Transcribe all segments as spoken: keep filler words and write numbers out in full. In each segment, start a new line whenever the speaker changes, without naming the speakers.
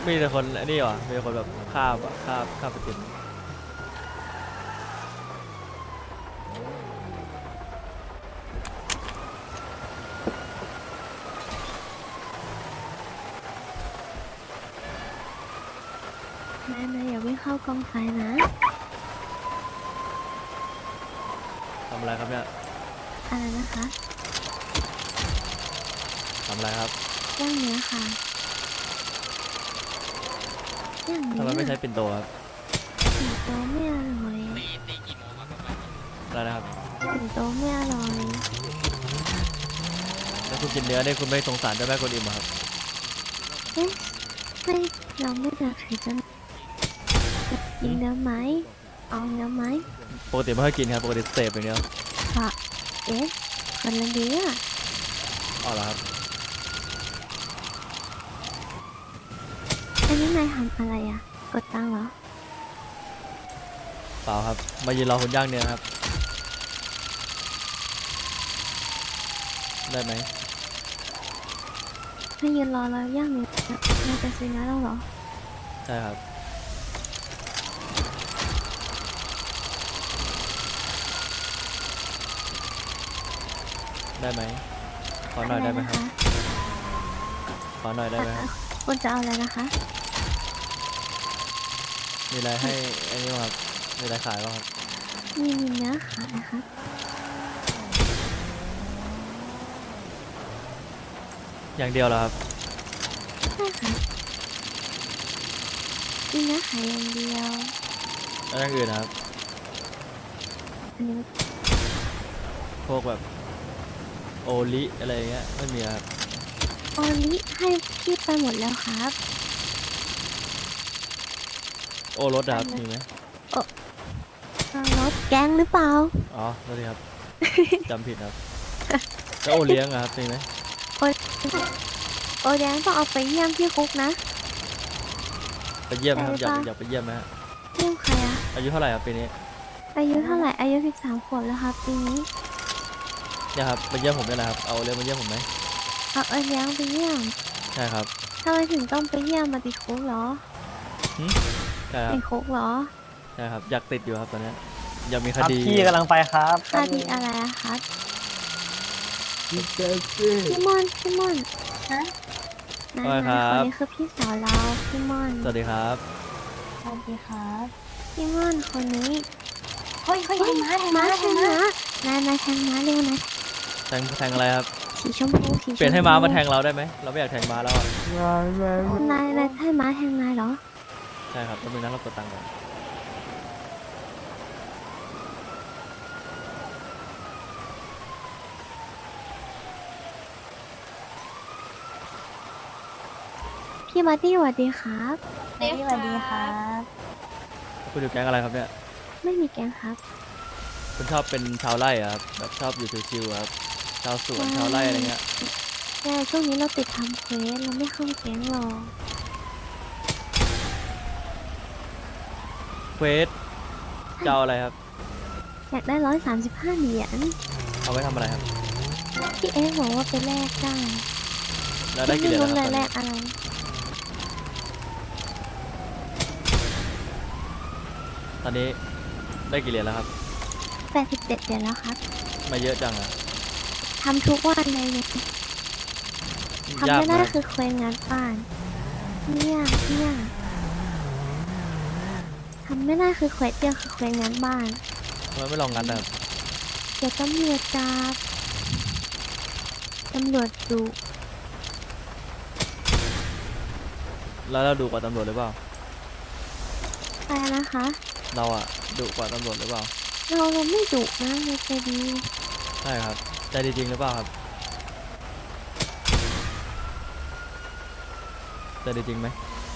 มีแต่คนอันนี้เหรอมีแต่คนแบบฆ่าแบบฆ่าฆ่าประจิต
นายนายอย่าวิ่งเข้ากองไฟนะ
ทำอะไรครับเนี่ย
อะไรนะคะ
ทำอะไรครับ
ย่างเนื้อค่ะย่างเนื้
ทำ
อ
ไมไม่ใช้ปิ่นโตครับ
สิงโตไม่อร่อย
อะไรนะครับ
สิงโตไม่อร่อย
แล้วคุณกินเนื้อเนี่ยคุณไม่สงสารเจ้าแม่กวนอิมเหรอครับ
เอ๊ะไม่เราไม่อยากถือจะจะกินเนื้อไหมเอาเนื้อไหม
ปกติไม่ค่อยกินครับปกติเสพอย่างเดียว
ค่ะเอ๊ะคนละเนื้อ
อ๋อเหรอครับ
อันนี้นายทำอะไรอ่ะ กดตังค์เหรอ
เปล่าครับมายืนรอคุณย่างเนื้อครับได้ไหม
ให้ยืนรอเราย่างเนื้อนายจะซื้อเนื้อแล้วเหรอ
ใช่ครับได้ไหมขอหน่อยได้ไหมครับขอหน่อยได้ไหมครับ
คุณจะเอาอะไรนะคะ
มีอะไรให้ไอ้นี่บ้างครับมีอะไรขายบ้างครับ
มีมีเนื้อขายนะคะ
อย่างเดียวเหรอครับ
ใช่ค่ะมีเนื้อขายอย่างเดียว
แล้วอย่างอื่นนะครับ
อันนี้
พวกแบบโอลิอะไรเงี้ยไม่มีครับ
โอลิให้พี่ไปหมดแล้วครับ
โอรสอะครับมีไหม
เอารถแก๊งหรือเปล่า
อ๋อสวัสดีครับ จำผิดครับแล้วโอเลี้ยงอะครับมีไหม
โอโอแดงต้องเอาไปเยี่ยมที่คุกนะ
ไปเยี่ยมไหมครับ
ไป
อยาก
ปะ
อยากไปเยี่ยมไหมฮะ
เยี่ยมใครอะ
อายุเท่าไหร่ครับปีนี้
อายุเท่าไหร่ อายุสิบสามขวบแล้วครับปีนี้
เนี่ยครับมาเยี่ยมผมได้นะครับเอาโอเลี้ยงมาเยี่ยมผมไหม
เอาโอแดงไปเยี่ยม
ใช่ครับ
ทำไมถึงต้องไปเยี่ยมมาติดคุกเหรอ
ใช่ครั
ติ
บ
ดคุกเหรอ
ใช่ครับอยากติดอยู่ครับตอนเนี้ยอยากมี
ค
ครับ ดี
พี่กำลังไปครับ
คดีอะไรอะครับ
พี่เจสซี่
พี่มอนพี่มอนฮะนาย
ว่าไง
นาย
ค
ค
รั
น
บ
นี้คือพี่สาวเราพี่มอน
สวัสดีครับ
สวัสดีครับพี่มอนคนนี้
เฮ้ยเฮ้ยแทงม้าแทง
ม้า
ม้า
แท
แท
ง
ง
ม้า
ม้าน
ายนายแทงม้าเร็วนาย
แทงแทงอะไรครับ
สีชมพูสีชมพู
เปลี่ยนให้ม้ามาแทงเราได้ไหมเราไม่อยากแทงม้าแล้วอะ
นายนายให้ม้าแทงนายเหรอ
ใช่ครับแป๊บนึงนะเรากดตังค์ก่อน
พี่บัดดี้สวัสดีครับ
สวัสดีครับ
คุณอยู่แก๊งอะไรครับเนี่ย
ไม่มีแกงครับ
คุณชอบเป็นชาวไร่อะครับแบบชอบอยู่ชิวๆอะครับชาวสวนชาวไร่อะไรเงี้ย
แต่ช่วงนี้เราติดทำเควสเราไม่เข้าแก๊งหรอก
เควสจะเอาอะไรครับ
อยากได้ร้อยสามสิบห้าเหรียญ
เอาไว้ทำอะไรครับ
พี่เอ็กซ์บอกว่าไปแลกได้
แล้วได้กี่เหรียญ
ไม่
แล้ว
รู้
ครับ
เลย
ตอน
แล
นี้
กอะไร
ตอนนี้ได้กี่เหรียญแล้วครับ
แปดสิบเจ็ดเหรียญแล้วครับ
มาเยอะจังอะ
ทำทุกวันเลยเนี่ยทำ
ยาก
ไม่
ไหม
ได้คือเควสงานบ้านเนี่ยเนี่ยทำไม่ได้คือเควสเดียวคือเควสงานบ้าน
ทำไมไม่ลองงัดนะครับ
เดี๋ยวตำรวจจับตำรวจดุ
แล้วเราดูกว่าตำรวจหรือเปล่า
ไปนะคะ
เราอะดุกว่าตำรวจหรือเปล่า
เราเราไม่ดุนะเราใจดี
ใช่ครับใจดีจริงหรือเปล่าครับใจดีจริงไหม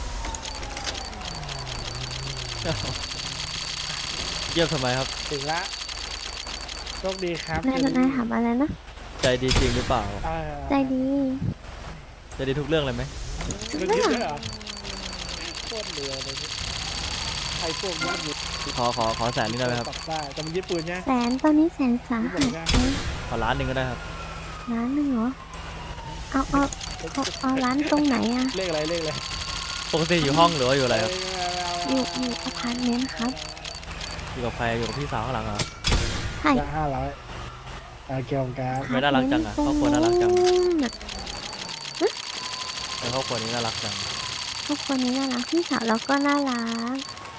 เยี่ยมทำไมครับ
ถึงละโชคดีครับ
นายนายถามอะไรนะ
ใจดีจริงหรือเปล่า
เอ่อ
ใจดี
ใจดีทุกเรื่องเลยไหม
ทุก
ไม่
เรื่
คิ
อ
ด
ง
ด้วยเหรอโคตรเรือเลยนี่ใครพวกนี้อยู่
ขอขอขอแสนนึงได้ไหมครับ
ปรับได้แต่มันยึดปืนเนี่ย
แสนตอนนี้แสนสาหัสเลย
ขอล้านหนึ่งก็ได้ครับ
ล้านหนึ่งเหรอ เอาเอาเอาเอาร้านตรงไหนอะ
เลขอะไรเลขอะไร
ปกติอยู่ห้องหรือว่าอยู่อะไรครับ
อยู่อยู่อพาร์ตเมนต์ครับ
อยู่กับใครอยู่กับพี่สาวข้างหลังเหรอ
ใช่
จะห้าร้อยเอาเกี่ยวกับ
ไม่น่ารักจังอะครอบครัวน่ารักจัง
น่ะ
ในครอบครัวนี้น่ารักจัง
ครอบครัวนี้น่ารักพี่สาวเราก็น่ารัก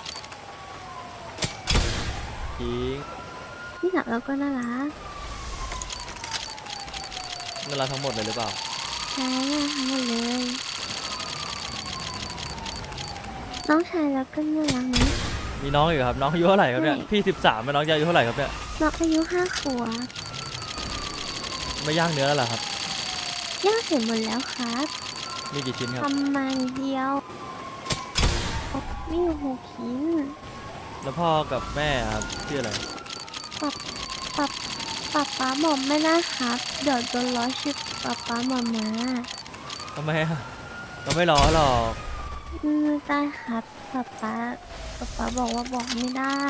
จริง
พี่สาวเราก็น่ารัก
น่ารักทั้งหมดเลยหรือเปล่า
ใช่น่ารักทั้งหมดเลย น้องชายเราก็น่ารักนะ
มีน้องอยู่ครับน้องอายุเท่าไหร่ครับเนี่ย
ใช่
พี่สิบสามน้องจะอายุเท่าไหร่ครับเนี่ย
น้องอายุห้าขวบ
ไม่ย่างเนื้อแล้วเหรอครับ
ย่างเสร็จหมดแล้วครับ
มีกี่ชิ้นครับ
ทำมานิดเดียวมีอยู่หกชิ้น
แล้วพ่อกับแม่ครับชื่ออะไร
ปับปับปับป๊าบอกไม่ได้ครับ เดี๋ยวโดนล้อชื่อปับป๊าหมามา
ทำไมอะเราไม่รอหรอก
อืมได้ครับปับป๊าปับป๊าบอกว่าบอกไม่ได้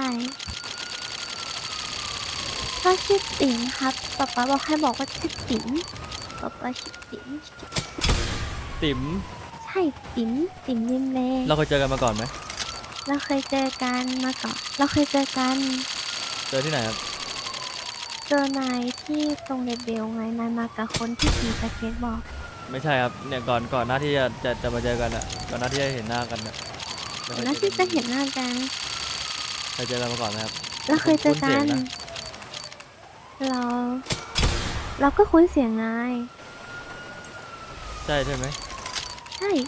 ถ้าชื่อติ๋มครับปับป๊าบอกให้บอกว่าชื่อติ๋มปับป๊าชื่อติ๋ม
ติ๋ม
ใช่ติ๋มติ๋มริมเล
เราเคยเจอกันมาก่อนไหม
เราเคยเจอกันมาก่อนเราเคยเจอกัน
เจอที่ไหนครับ
เจอนายที่ตรงเลเบลไงนายมากับคนที่ขี่สเก็ตบอร์ด
ไม่ใช่ครับเนี่ยก่อนก่อนหน้าที่จะจะจะมาเจอกันอะก่อนหน้าที่จะเห็นหน้ากันอะไม่เคย
แล้ว
เจ
ที่
อ
จะเห็นหน้ากัน
เคยเจอกันมาก่อนไหมครับ
เราเคยเจอ
คุ้นเสี
กั
ยง
น
นะ
เรา เราก็คุ้นเสียงนาย
ใช่ใช่ไหม
ใช่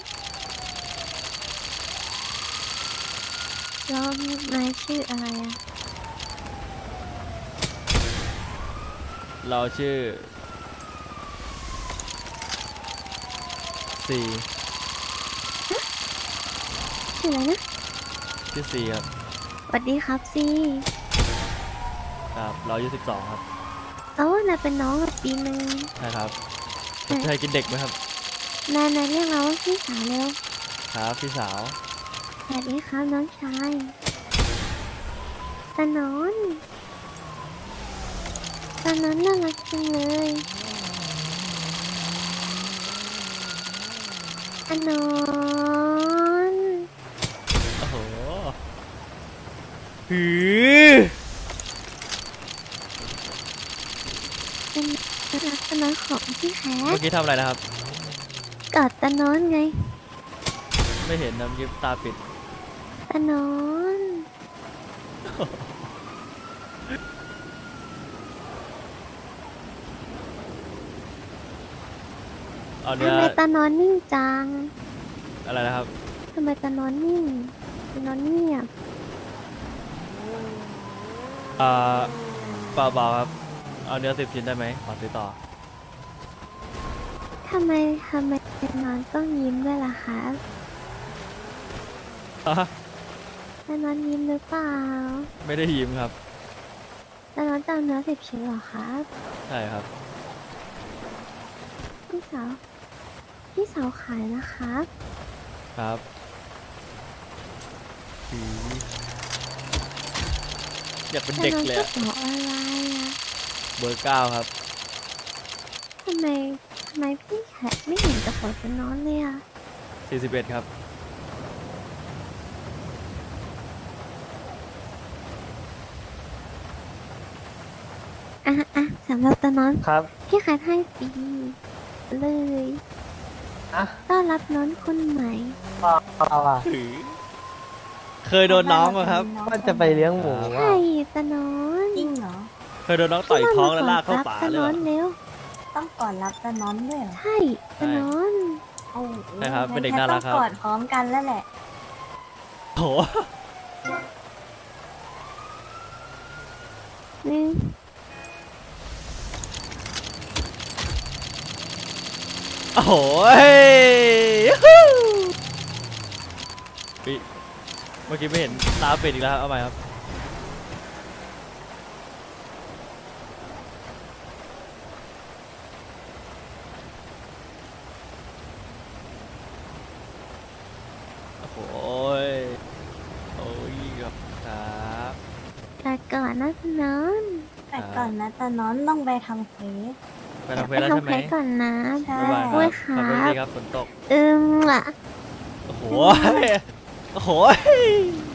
แล้วนายชื่ออะไรอ่ะ
เราชื่อซี
ชื่ออะไรนะ
ชื่อซีครับ
สวัสดีครับซี
ครับเราอายุสิบสองครับ
เอ้านายเป็นน้องกับปีหนึ่ง
ใช่ครับ
ใช่
เคยกินเด็กไหมครับ
นายนายเรียกเราว่าพี่สาวเร็ว
ครับพี่สาว
สวัสดีครับน้องชายตานอนตานอนน่ารักจังเลยตานอน
โอ้โหหือ
เป็นรักตานอนของพี่แค
เมื่
ท
อกี้ทำอะไรนะครับ
กอดตานอนไง
ไม่เห็นนะเมื่อกี้ตาปิด
ตานอน
เอาเนื้อ
ทำไมตานอนนิ่งจัง
อะไรนะครับ
ทำไมตานอนนิ่งตานอนเงียบ
อ่าเปล่าเปล่าครับ เอาเนื้อสิบชิ้นได้ไหมขอซื้อต่อ
ทำไมทำไมตานอนต้องยิ้มด้วยล่ะคะ
ฮะ
ตานอนยิ้มหรือเปล่า
ไม่ได้ยิ้มครับ
ตานอนจะเอาเนื้อสิบชิ้นเหรอครับ
ใช่ครับ
พี่สาว พี่สาวขายนะครับ
ครับหืออยากเป็นเด็กเลย
ตา
อะ
นอนก็บอกอะไรอะ
เบอร์เก้าครับ
ทำไมทำไมพี่แขกไม่เห็นกระเป๋าตานอนเลยอะ
สี่สิบเอ็ดครับ
อ่ะอ่ะสำหรับตานอน
ครับ
พี่แขกให้ฟรีเลย
อะ
ต้อนรับน้องคนใหม่
เราอะ
หือ เคยโดนน้องอะครับ
ว่าจะไปเลี้ยงหมู
ใช่
อะ
ตานอน
จริงเหรอ
เคยโดนน้องต่อยท้องแล้วลากเข้าป่า
ตา
เลย
น
เหร
อ
อน
เร็ว
ต้องกอดรับตะน้อนด้วยเหรอ
ใช่ตานอน
โอ้โห
ใช่ครับเป็นเด็ก
งั้
น่ารักครับ
ต้องกอดพร้อมกันแล้วแหละ
โถ
หนึ่ง
โอ้โหยูฮูปิเมื่อกี้ไม่เห็นตาปิดอีกแล้วครับเอาใหม่ครับ โอ้โหยโอ้ยครับครับ
แต่ก่อนนะตานอน
แต่ก่อนนะตะน้อนต้องไปทำเควส
ไปทำเควสแล้ว
ทำ
ใช่ไห
เพ
ม
ลก่อนนะ
ใช่
บ๊ายบายค
ด้
รั
วย
บ
ครั
ขับรถ
บ
ดีครับฝนตก
อืมอ่ะ
โอ้โหโอ้โห